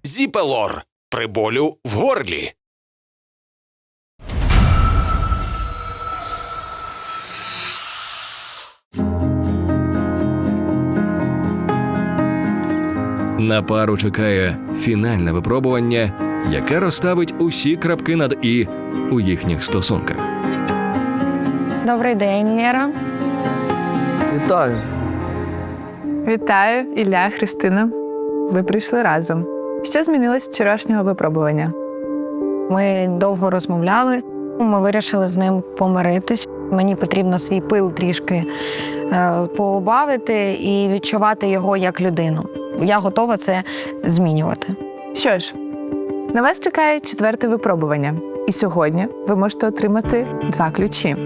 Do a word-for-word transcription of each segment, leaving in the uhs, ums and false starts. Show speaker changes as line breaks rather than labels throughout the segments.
Зіпелор при болю в горлі.
На пару чекає фінальне випробування, яке розставить усі крапки над «і» у їхніх стосунках.
Добрий день, Лєра.
Вітаю.
Вітаю, Ілля, Христина. Ви прийшли разом. Що змінилось з вчорашнього випробування?
Ми довго розмовляли. Ми вирішили з ним помиритись. Мені потрібно свій пил трішки е, поубавити і відчувати його як людину. Я готова це змінювати.
Що ж, на вас чекає четверте випробування. І сьогодні ви можете отримати два ключі.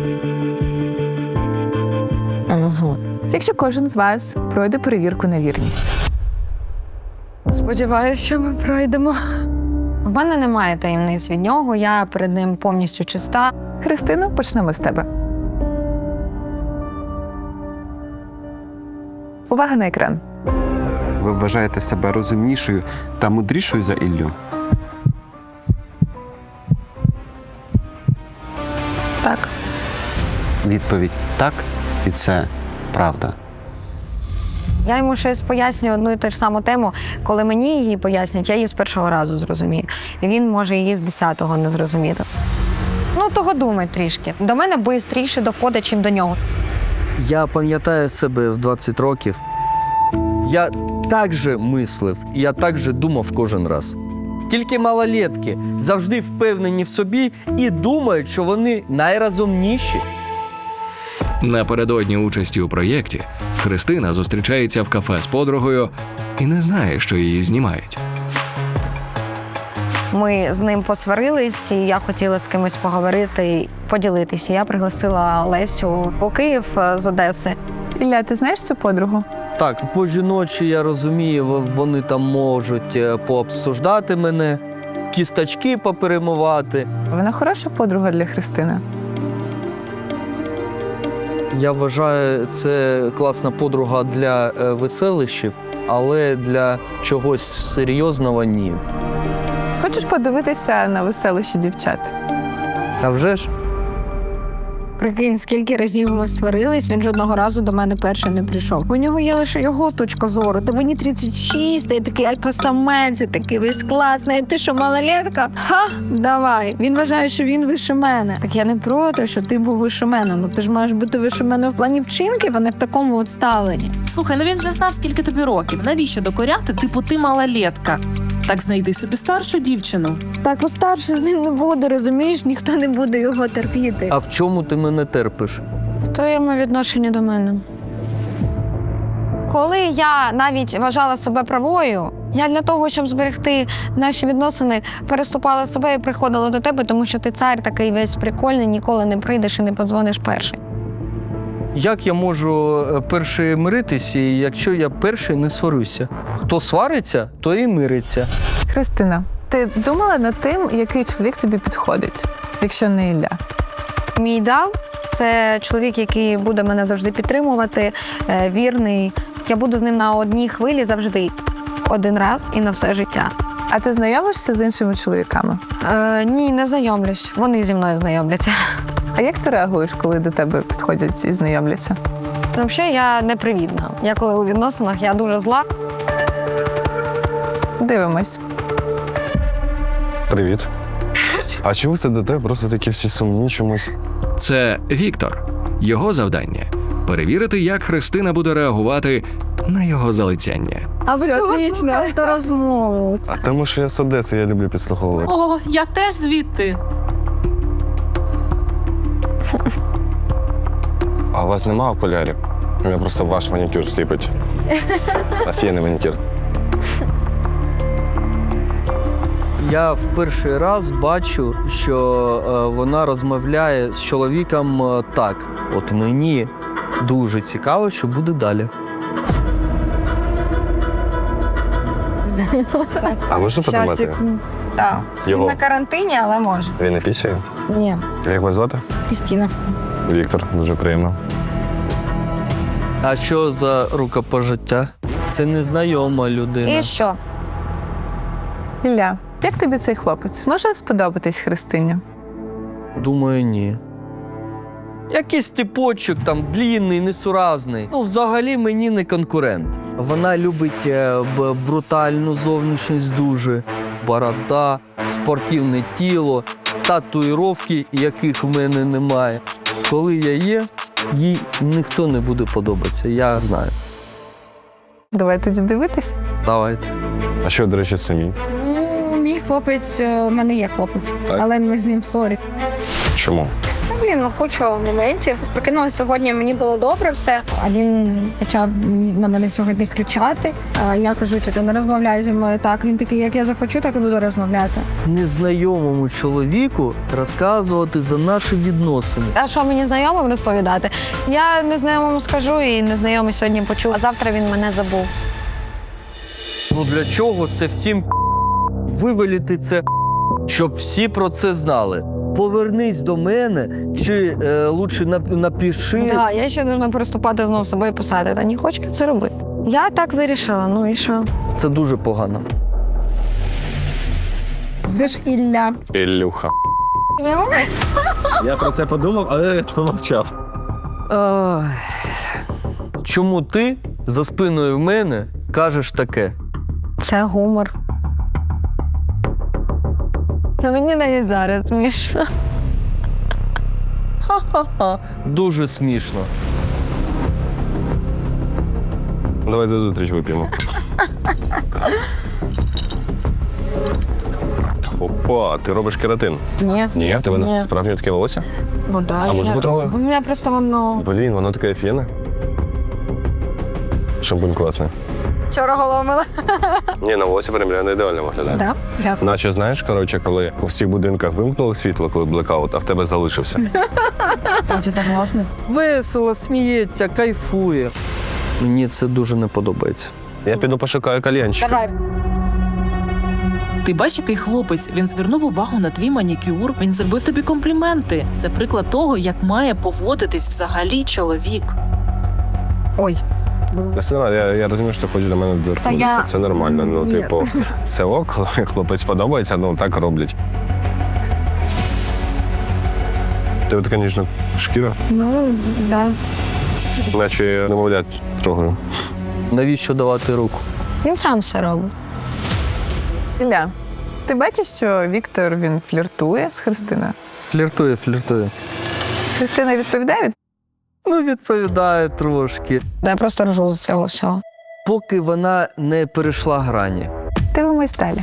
Угу.
Якщо кожен з вас пройде перевірку на вірність.
Сподіваюся, що ми пройдемо. В мене немає таємниць від нього, я перед ним повністю чиста.
Христино, почнемо з тебе. Увага на екран.
Ви вважаєте себе розумнішою та мудрішою за Іллю?
Так.
Відповідь «так» і це правда.
Я йому щось пояснюю одну і ту ж саму тему. Коли мені її пояснять, я її з першого разу зрозумію. І він може її з десятого не зрозуміти. Ну, того думай трішки. До мене швидше доходить, чим до нього.
Я пам'ятаю себе в двадцять років. Я так же мислив, і я так же думав кожен раз. Тільки малолетки завжди впевнені в собі і думають, що вони найрозумніші.
Напередодні участі у проєкті Христина зустрічається в кафе з подругою і не знає, що її знімають.
Ми з ним посварились, і я хотіла з кимось поговорити, поділитися. Я пригласила Лесю у Київ з Одеси.
Ілля, ти знаєш цю подругу?
Так, по жіночі, я розумію, вони там можуть е, пообсуждати мене, кісточки поперемивати.
Вона хороша подруга для Христини.
Я вважаю, це класна подруга для е, веселищів, але для чогось серйозного – ні.
Хочеш подивитися на веселищі дівчат?
А вже ж?
Прикинь, скільки разів ми сварились, він жодного разу до мене перший не прийшов. У нього є лише його точка зору. Та мені тридцять шість, я такий альфа-самець, я такий весь класний. Ти що, малолетка? Ха, давай. Він вважає, що він вище мене. Так я не проти, що ти був вище мене. Ну ти ж маєш бути вище мене в плані вчинків, а не в такому от ставленні.
Слухай, ну він же знав, скільки тобі років. Навіщо докоряти? Типу, ти малолетка. Так знайди собі старшу дівчину.
Так, от старший з ним не буде, розумієш? Ніхто не буде його терпіти.
А в чому ти мене терпиш?
В твоєму відношенні до мене. Коли я навіть вважала себе правою, я для того, щоб зберегти наші відносини, переступала себе і приходила до тебе, тому що ти цар такий весь прикольний, ніколи не прийдеш і не подзвониш перший.
Як я можу перший миритися, якщо я перший не сварюся? Хто свариться, то і мириться.
Христина, ти думала над тим, який чоловік тобі підходить, якщо не Ілля?
Мій ідеал – це чоловік, який буде мене завжди підтримувати, е, вірний. Я буду з ним на одній хвилі завжди. Один раз і на все життя.
А ти знайомишся з іншими чоловіками?
Е, ні, не знайомлюсь. Вони зі мною знайомляться.
А як ти реагуєш, коли до тебе підходять і знайомляться?
Ну, взагалі, я непривітна. Я коли у відносинах, я дуже зла.
Дивимось.
Привіт. А чого ви сидите? Просто такі всі сумні чомусь.
Це Віктор. Його завдання – перевірити, як Христина буде реагувати на його залицяння.
А ви отлично, то розмову.
А тому, що я з Одеси, я люблю підслуховувати.
О, я теж звідти.
А у вас нема окулярів? У мене просто ваш манікюр сліпить. Офігенний манікюр.
Я в перший раз бачу, що е, вона розмовляє з чоловіком е, так. От мені дуже цікаво, що буде далі.
А можна потримати?
Так. Він
Його.
на карантині, але може.
Він не пісяє?
Ні.
Як вас звати?
Крістіна.
Віктор, дуже приємно.
А що за рукопожиття? Це незнайома людина.
І що?
Ілля, як тобі цей хлопець? Може сподобатись Христині?
Думаю, ні. Якийсь типочок там длінний, несуразний. Ну, взагалі мені не конкурент. Вона любить е, б- брутальну зовнішність дуже, борода, спортивне тіло, татуїровки, яких в мене немає. Коли я є, їй ніхто не буде подобатися, я знаю.
Давай тоді дивитись.
Давайте.
А що, до речі, самі?
Ну, мій хлопець, е, у мене є хлопець,
Так.
але ми з ним в ссорі.
Чому?
Та, блін, ну куча моментів. Прокинулася сьогодні, мені було добре все, а він почав на мене сьогодні кричати. А я кажу, ти не розмовляй зі мною так. Він такий, як я захочу, так і буду розмовляти.
Незнайомому чоловіку розказувати за наші відносини.
А що мені знайомим розповідати? Я незнайомому скажу, і незнайомий сьогодні почув, а завтра він мене забув.
Ну для чого це всім вивеліти це, щоб всі про це знали? Повернись до мене, чи е, лучше нап- напиши.
Так, я ще должна переступати знову з собою писати, та не хочу це робити. Я так вирішила, ну і що?
Це дуже погано.
Це ж Ілля.
Ілюха.
Я про це подумав, але я помовчав.
Ах. Чому ти за спиною в мене кажеш таке?
Це гумор. Та мені навіть зараз смішно.
Ха-ха-ха. Дуже смішно.
Давай за зустріч вип'ємо. Опа, ти робиш кератин.
Ні.
Ні, в тебе
Ні.
справжнє таке волосся?
Ну да.
А може потрогаю?
У мене просто воно.
Блін, воно таке фіне. Шампунь класний.
Вчора голомила.
Ні, на волосі прям реально ідеально виглядає.
Так? Дякую.
Наче, знаєш, коротше, коли у всіх будинках вимкнули світло, коли блекаут, а в тебе залишився.
Це так класно.
Весело, сміється, кайфує. Мені це дуже не подобається.
Я піду пошукаю кальянчик.
Давай.
Ти бачиш, який хлопець? Він звернув увагу на твій манікюр, він зробив тобі компліменти. Це приклад того, як має поводитись взагалі чоловік.
Ой.
Кристина, я, я розумію, що ти хочеш до мене доторкнутися.
я-
Це нормально. Ну,
Ні.
типу, все ок, коли хлопець подобається, ну так роблять. Тебе така ніжна шкіра,
Ну, да.
наче я немовлять трогаю.
Навіщо давати руку?
Він сам все робить.
Ілля, ти бачиш, що Віктор він фліртує з Христиною?
Фліртує, фліртує.
Христина відповідає?
Ну, відповідає трошки.
Я просто ржу з цього всього.
Поки вона не перейшла грані.
Дивимось далі.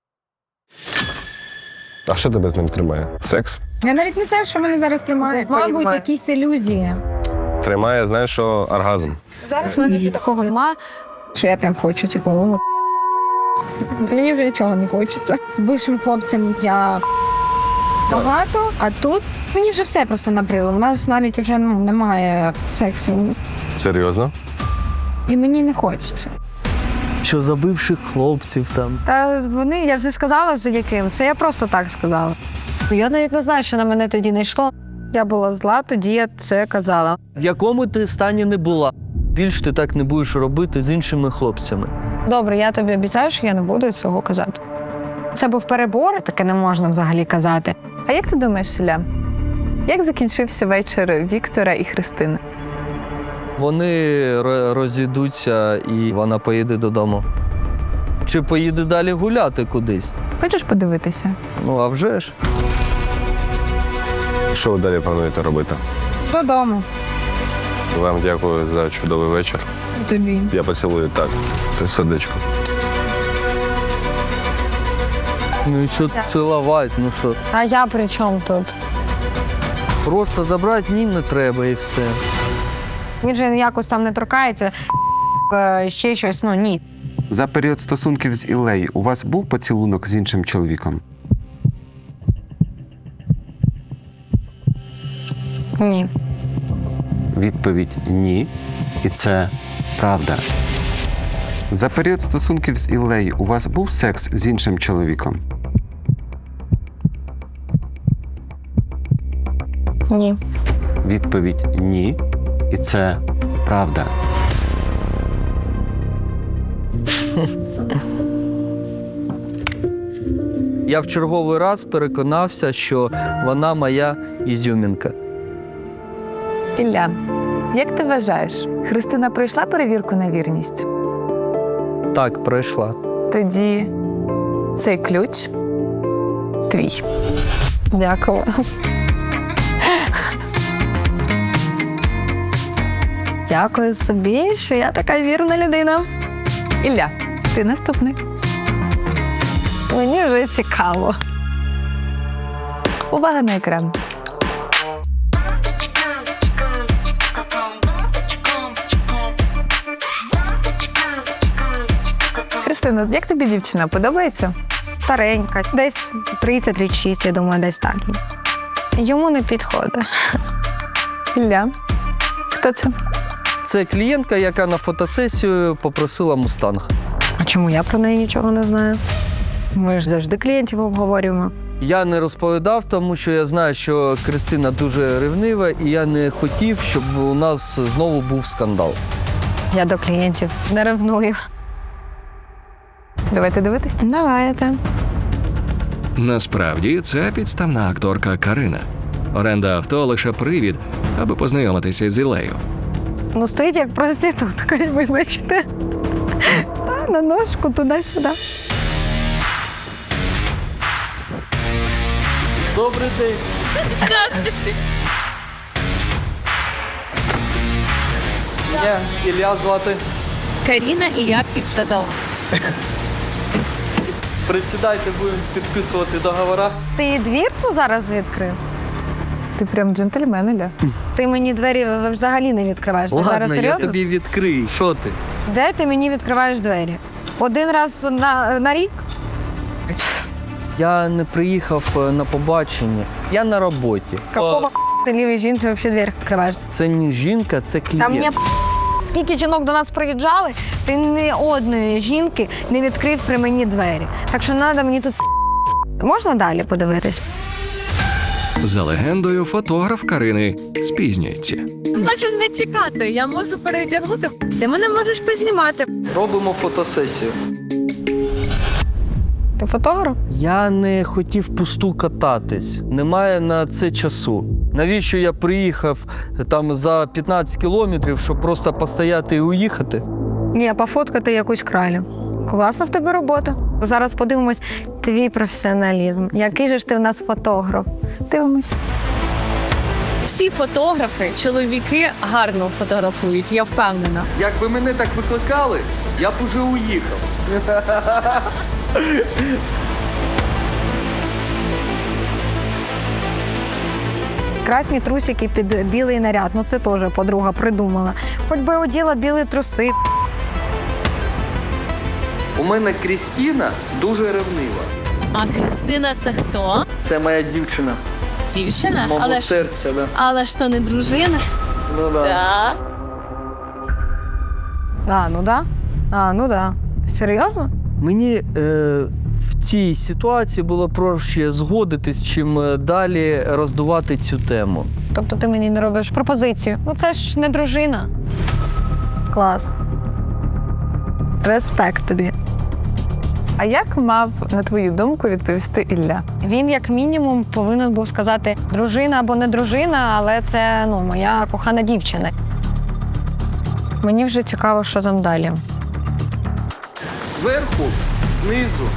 А що тебе з ним тримає? Секс?
Я навіть не знаю, що мене зараз тримає. Мабуть, якісь ілюзії.
Тримає, знаєш, що оргазм.
Зараз в мене вже такого нема, що я прям хочу, типу, ну, мені вже нічого не хочеться. З бившим хлопцем я багато, а тут мені вже все просто набрило. У нас навіть вже ну, немає сексу.
Серйозно?
І мені не хочеться.
Що за бивших хлопців там.
Та вони, я вже сказала, за яким. Це я просто так сказала. Я навіть не знаю, що на мене тоді не йшло. Я була зла, тоді я це казала.
В якому ти стані не була. Більш ти так не будеш робити з іншими хлопцями.
Добре, я тобі обіцяю, що я не буду цього казати. Це був перебор, таке не можна взагалі казати.
А як ти думаєш, Ілля, як закінчився вечір Віктора і Христини?
Вони ро- розійдуться і вона поїде додому. Чи поїде далі гуляти кудись?
Хочеш подивитися?
Ну, а вже ж.
Що ви далі плануєте робити?
Додому.
Вам дякую за чудовий вечір.
Тобі.
Я поцілую так. Ти сердечко.
Ну і що цілувати, ну що?
А я при чому тут?
Просто забрати ні не треба і все.
Він же якось там не торкається, е, ще щось, ну ні.
За період стосунків з Іллею у вас був поцілунок з іншим чоловіком?
Ні.
Відповідь ні. І це правда. За період стосунків з Іллею у вас був секс з іншим чоловіком?
Ні.
Відповідь ні. І це правда.
Я в черговий раз переконався, що вона моя ізюмінка.
Ілля, як ти вважаєш, Христина пройшла перевірку на вірність?
Так, пройшла.
Тоді цей ключ твій.
Дякую. Дякую собі, що я така вірна людина.
Ілля, ти наступний.
Мені вже цікаво.
Увага на екран. Христина, як тобі дівчина? Подобається?
Старенька, десь тридцять тридцять шість, я думаю, десь так. Йому не підходить.
Ілля, хто це?
Це клієнтка, яка на фотосесію попросила мустанг.
А чому я про неї нічого не знаю? Ми ж завжди клієнтів обговорюємо.
Я не розповідав, тому що я знаю, що Христина дуже ревнива, і я не хотів, щоб у нас знову був скандал.
Я до клієнтів не ревную.
Давайте дивитись.
Давайте.
Насправді це підставна акторка Карина. Оренда авто лише привід, аби познайомитися з Іллею.
Ну, стоїть як проститутка, вибачте. Та, на ножку туди-сюди.
Добрий день.
Здравствуйте.
Я Ілля звати.
Каріна і я підштадав.
Присідайте, будемо підписувати договори.
Ти двірцю зараз відкрив?
Ти прям джентльмен, Ілля.
Ти мені двері взагалі не відкриваєш. Ти зараз
Ладно, я
серйозно?
тобі відкрию. Що ти?
Де ти мені відкриваєш двері? Один раз на, на рік?
Я не приїхав е, на побачення. Я на роботі.
Какого ти лівій жінці взагалі двері відкриваєш?
Це не жінка, це
Та мені
клієнт.
скільки жінок до нас приїжджали, ти ні одної жінки не відкрив при мені двері. Так що треба мені тут... Можна далі подивитись?
За легендою, фотограф Карини спізнюється.
Можу не чекати, я можу переодягнути. Ти мене можеш познімати.
Робимо фотосесію.
Ти фотограф?
Я не хотів пусту кататись. Немає на це часу. Навіщо я приїхав там за п'ятнадцять кілометрів, щоб просто постояти і уїхати?
Ні, пофоткати якусь кралю. Класна в тебе робота. Зараз подивимось твій професіоналізм. Який же ж ти у нас фотограф?
Дивимось.
Всі фотографи, чоловіки гарно фотографують, я впевнена.
Якби мене так викликали, я б уже уїхав.
Красні трусики під білий наряд. Ну це теж подруга придумала. Хоч би оділа білі труси.
У мене Крістіна дуже ревнива.
А Христина це хто?
Це моя дівчина.
Дівчина?
Мого
Але ж,
серця, да.
але ж то не дружина.
Ну, да.
Так.
А, ну да. А, ну да. Серйозно?
Мені е, в цій ситуації було проще згодитись, чим е, далі роздувати цю тему.
Тобто ти мені не робиш пропозицію. Ну це ж не дружина. Клас. Респект тобі.
А як мав, на твою думку, відповісти Ілля?
Він, як мінімум, повинен був сказати дружина або не дружина, але це ну, моя кохана дівчина. Мені вже цікаво, що там далі.
Зверху, знизу.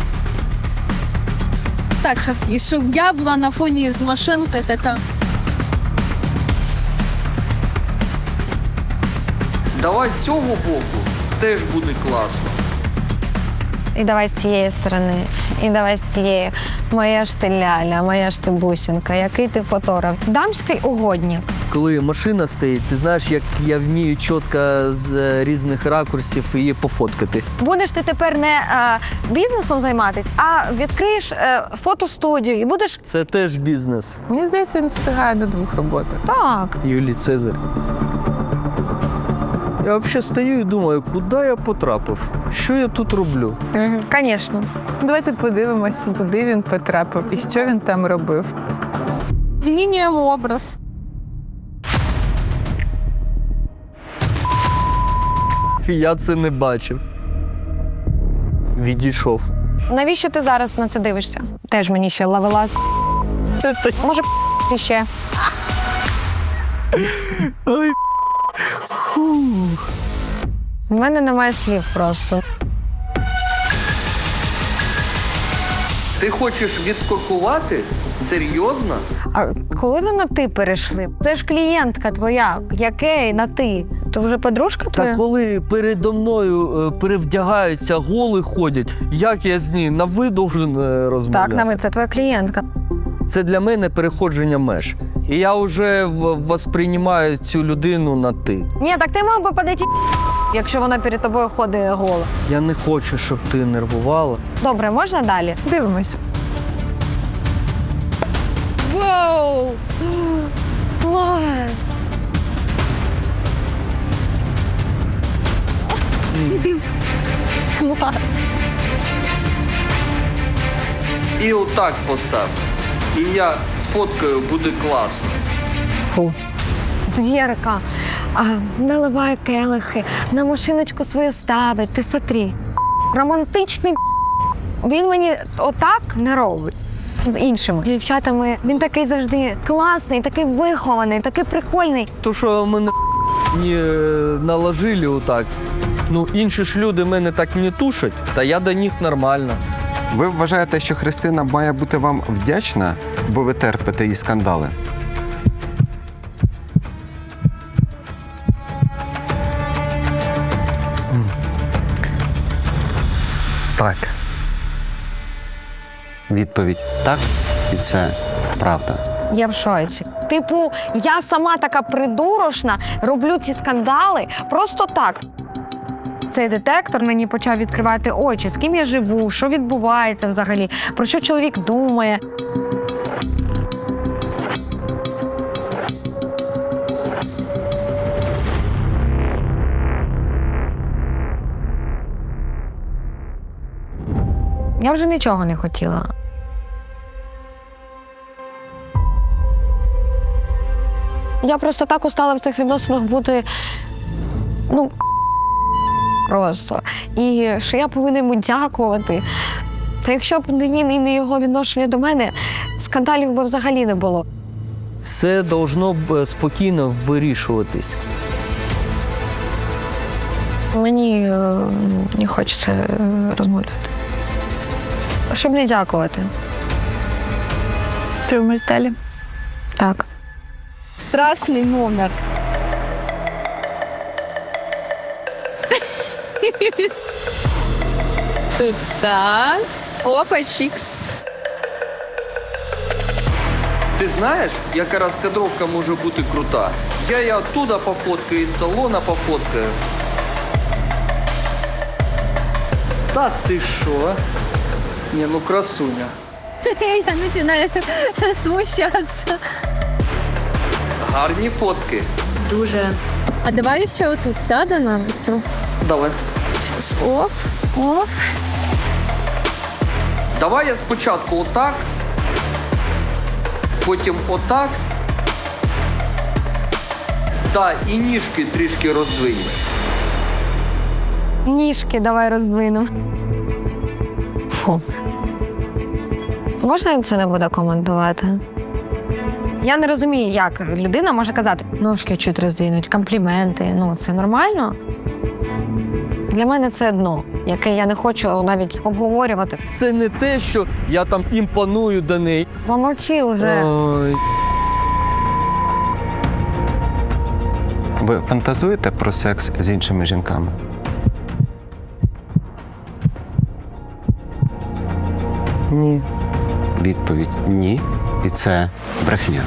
Так, щоб, і щоб я була на фоні з машинки, така.
Давай з цього боку, теж буде класно.
І давай з цієї сторони, і давай з цієї. Моя ж ти ляля, моя ж ти бусинка, який ти фотограф. Дамський угодник.
Коли машина стоїть, ти знаєш, як я вмію чітко з е, різних ракурсів її пофоткати.
Будеш ти тепер не е, бізнесом займатися, а відкриєш е, фотостудію і будеш...
Це теж бізнес.
Мені здається, він встигає до двох роботи.
Так.
Юлій Цезарь. Я взагалі стою і думаю, куди я потрапив? Що я тут роблю?
Угу. Звісно.
Давайте подивимося, куди він потрапив і що він там робив.
Змінюємо образ.
Я це не бачив. Відійшов.
Навіщо ти зараз на це дивишся? Теж мені ще ловелас. Може, ще. У мене немає слів просто.
Ти хочеш відкоркувати? Серйозно?
А коли ви на ти перейшли? Це ж клієнтка твоя, яке на ти? То вже подружка твоя?
Та коли передо мною е, перевдягаються, голи ходять, як я з ним на ви должен е, розмовляти?
Так, на ви, це твоя клієнтка.
Це для мене переходження меж. І я вже в- восприймаю цю людину на ти.
Ні, так ти мав би подати, якщо вона перед тобою ходить гола.
Я не хочу, щоб ти нервувала.
Добре, можна далі?
Дивимось.
Вау! Клас! Клас!
І отак постав. І я сфоткаю, буде класно.
Фу. Вірка, а, наливає келихи, на машиночку свою ставить, ти смотри. Романтичний він мені отак не робить. З іншими дівчатами він такий завжди класний, такий вихований, такий прикольний.
То, що мене не наложили отак. Ну, інші ж люди мене так не тушать, та я до них нормально.
Ви вважаєте, що Христина має бути вам вдячна, бо ви терпите її скандали?
Так.
Відповідь так, і це правда.
Я в шоці. Типу, я сама така придурошна, роблю ці скандали просто так. Цей детектор мені почав відкривати очі, з ким я живу, що відбувається взагалі, про що чоловік думає. Я вже нічого не хотіла. Я просто так устала в цих відносинах бути, ну, просто. І що я повинна йому дякувати. Та якщо б не він і не його відношення до мене, скандалів би взагалі не було.
Все должно б спокійно вирішуватись.
Мені е, не хочеться е, розмовляти. Щоб не дякувати.
Дивимось далі.
Так.
Страшний номер. Тут так. Опа, чікс.
Ти знаєш, яка розкадровка може бути крута? Я її оттуда пофоткаю, із салона пофоткаю. Та ти що? Ні, ну красуня.
Я починаю смущатися.
Гарні фотки.
Дуже. А давай ще отут сядемо.
Давай.
Оп, оп.
Давай я спочатку отак, потім отак. Та і ніжки трішки роздвинь.
Ніжки давай роздвинемо. Фу. Можна він це не буде коментувати? Я не розумію, як людина може казати, ножки чуть роздвинуть, компліменти. Ну, це нормально? Для мене це дно, яке я не хочу навіть обговорювати.
Це не те, що я там імпоную до неї.
Помовчи вже.
Ой.
Ви фантазуєте про секс з іншими жінками?
Ні.
Відповідь ні, і це брехня.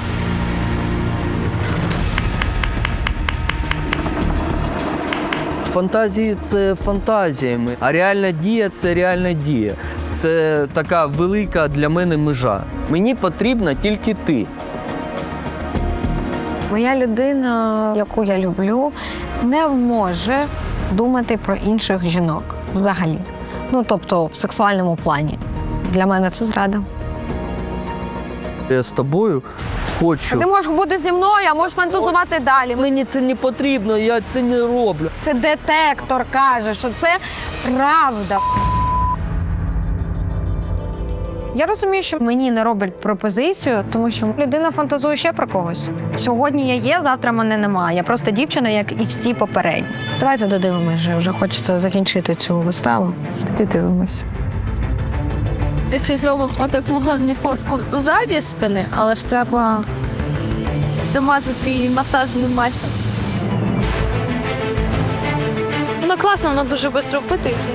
Фантазії це фантазіями, а реальна дія це реальна дія. Це така велика для мене межа. Мені потрібна тільки ти.
Моя людина, яку я люблю, не може думати про інших жінок взагалі. Ну, тобто в сексуальному плані. Для мене це зрада.
Я з тобою хочу.
Ти можеш бути зі мною, а можеш фантазувати далі.
Мені це не потрібно, я це не роблю.
Це детектор каже, що це правда. Я розумію, що мені не роблять пропозицію, тому що людина фантазує ще про когось. Сьогодні я є, завтра мене немає. Я просто дівчина, як і всі попередні. Давайте додивимося, вже, вже хочеться закінчити цю виставу.
Тоді дивимось.
Якщо зробимо отаку гарну фотку ззаді спини, але ж треба домазати її масажним масом. Воно класно, воно дуже швидко впитується.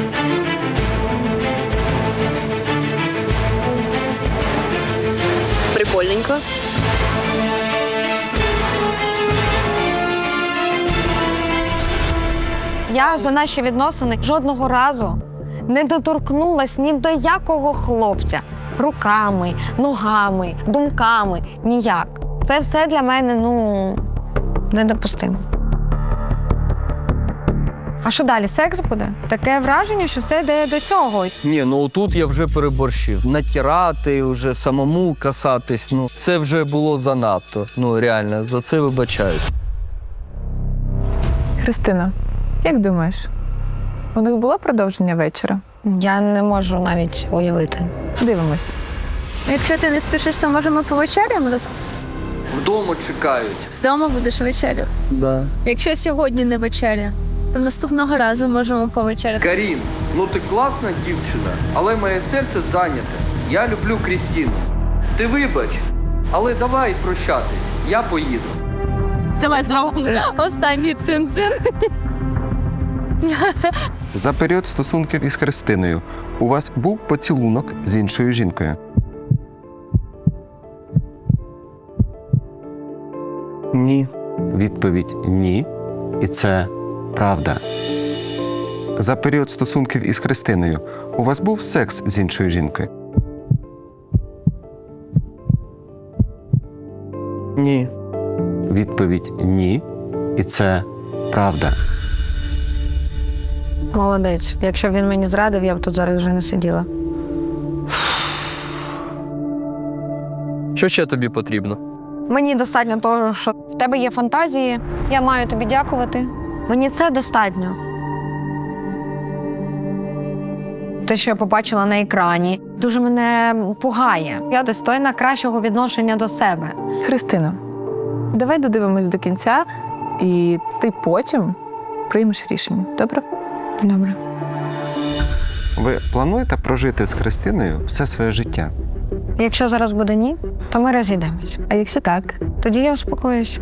Прикольненько.
Я за наші відносини жодного разу не доторкнулась ні до якого хлопця. Руками, ногами, думками. Ніяк. Це все для мене, ну, недопустимо. А що далі? Секс буде? Таке враження, що все йде до цього.
Ні, ну тут я вже переборщив. Натирати, вже самому касатись, ну це вже було занадто. Ну реально, за це вибачаюсь.
Христина, як думаєш, у них було продовження вечора?
Я не можу навіть уявити.
Дивимось.
Якщо ти не спішиш, то можемо повечеряємо разом.
Вдома чекають.
Вдома будеш вечерю.
Да.
Якщо сьогодні не вечеря, то наступного разу можемо повечеряти.
Карін, ну ти класна дівчина, але моє серце зайняте. Я люблю Крістіну. Ти вибач, але давай прощатись, я поїду.
Давай зробимо останній цин-цин.
За період стосунків із Христиною у вас був поцілунок з іншою жінкою?
Ні.
Відповідь ні. І це правда. За період стосунків із Христиною у вас був секс з іншою жінкою?
Ні.
Відповідь ні. І це правда.
Молодець. Якщо б він мені зрадив, я б тут зараз вже не сиділа.
Що ще тобі потрібно?
Мені достатньо того, що в тебе є фантазії, я маю тобі дякувати. Мені це достатньо. Те, що я побачила на екрані, дуже мене пугає. Я достойна кращого відношення до себе.
Христина, давай додивимось до кінця, і ти потім приймеш рішення, добре?
Добре.
Ви плануєте прожити з Христиною все своє життя?
Якщо зараз буде ні, то ми розійдемось.
А якщо так?
Тоді я успокоюсь.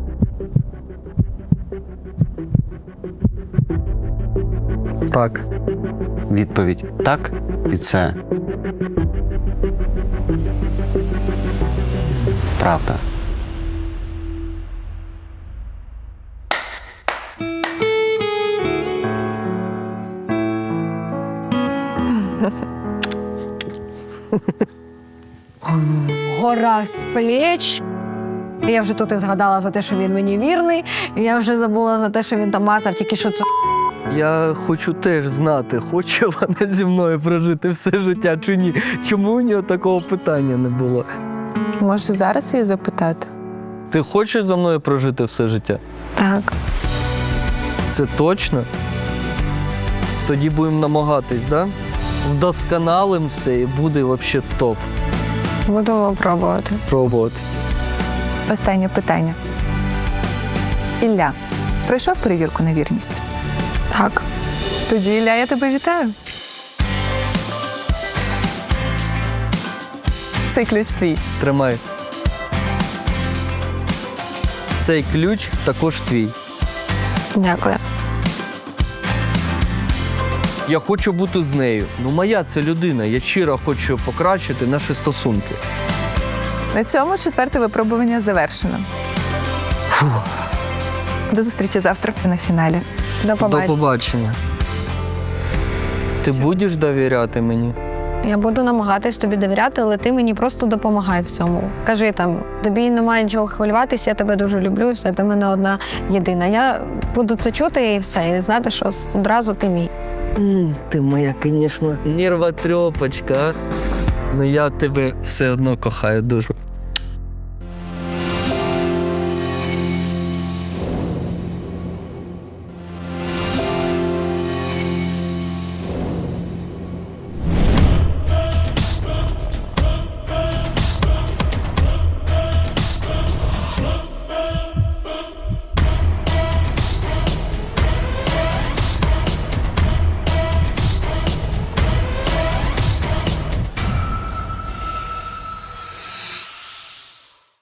Так.
Відповідь так. І це правда.
Гора з плеч. Я вже тут і згадала за те, що він мені вірний. І я вже забула за те, що він там мазав, тільки що це.
Я хочу теж знати, хоче вона зі мною прожити все життя чи ні. Чому у нього такого питання не було?
Може, зараз її запитати?
Ти хочеш за мною прожити все життя?
Так.
Це точно? Тоді будемо намагатись, да? Вдосконалим все і буде взагалі топ.
Будемо пробувати.
Пробувати.
Останнє питання. Ілля, пройшов перевірку на вірність?
Так.
Тоді, Ілля, я тебе вітаю. Цей ключ твій.
Тримай. Цей ключ також твій.
Дякую.
Я хочу бути з нею. Ну, моя це людина. Я щиро хочу покращити наші стосунки.
На цьому четверте випробування завершено. До зустрічі завтра на фіналі.
До
До
побачення.
побачення. Ти будеш довіряти мені?
Я буду намагатись тобі довіряти, але ти мені просто допомагай в цьому. Кажи там, тобі немає нічого хвилюватися, я тебе дуже люблю, і все, ти в мене одна єдина. Я буду це чути і все, і знати, що одразу ти мій.
М, Ти моя, звісно, нервотрепочка. Ну я тебе все одно кохаю дуже.